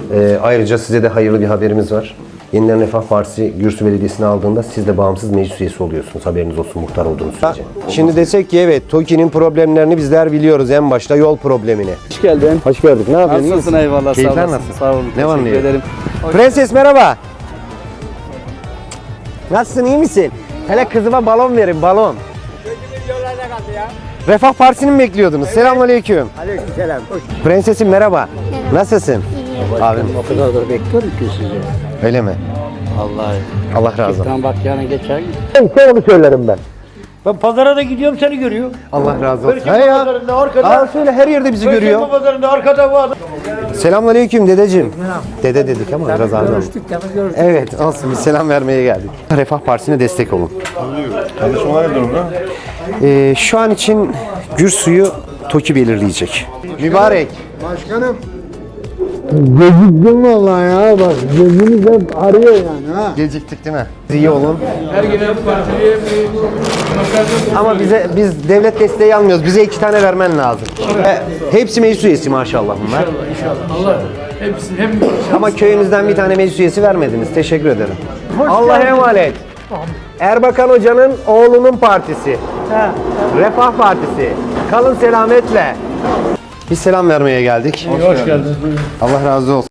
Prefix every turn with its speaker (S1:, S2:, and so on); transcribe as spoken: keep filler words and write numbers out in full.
S1: Ee, ayrıca size de hayırlı bir haberimiz var. Yeniden Refah Partisi Gürsü Belediyesi'ni aldığında siz de bağımsız meclis üyesi oluyorsunuz. Haberiniz olsun, muhtar olduğunuz sürece. Şimdi desek ki evet, TOKİ'nin problemlerini bizler biliyoruz, en başta yol problemini.
S2: Hoş geldin.
S1: Hoş gördük. Ne yapıyorsun?
S2: Nasılsın? Eyvallah.
S1: Keyifler
S2: sağ olasın.
S1: nasıl?
S2: Sağ olun.
S1: Ne var ne
S2: Teşekkür
S1: yok?
S2: ederim.
S1: Prenses merhaba. Nasılsın, iyi misin? Hele kızıma balon verin, balon. Refah Partisi'ni mi bekliyordunuz? Evet. Selamünaleyküm.
S3: Aleykümselam.
S1: Prensesim merhaba. Nasılsın? Abim.
S3: O kadardır bekliyorum ki sizi.
S1: Öyle mi?
S2: Vallahi.
S1: Allah razı olsun.
S2: Tam bak yani geçen gün.
S1: Ben onu söylerim ben.
S3: Ben pazara da gidiyorum seni görüyor.
S1: Allah razı olsun.
S3: Perşembe
S1: He ya.
S3: pazarında arkada.
S1: Aa, söyle, her yerde bizi görüyor.
S3: Perşembe pazarında arkada var.
S1: Selamünaleyküm dedeciğim. Dede dedik ama biraz ağır oldu.
S3: Görüştük tabii görüştük.
S1: Evet, olsun, biz selam vermeye geldik. Refah Partisi'ne destek olun.
S4: Çalışmalar ne durumda?
S1: Ee, şu an için Gürsü'yü TOKİ belirleyecek. Mübarek.
S5: Başkanım. Geciktim vallahi ya bak gözünüz hep arıyor yani ha.
S1: Geciktik değil mi? İyi olun. Ama bize biz devlet desteği almıyoruz. Bize iki tane vermen lazım. E, hepsi meclis üyesi maşallah bunlar.
S6: İnşallah. Allah hepsi hem
S1: Ama köyümüzden bir tane meclis üyesi vermediniz. Teşekkür ederim. Allah'a emanet. Erbakan Hoca'nın oğlunun partisi. Refah Partisi. Kalın selametle. Biz selam vermeye geldik.
S6: hoş geldiniz.
S1: Allah razı olsun.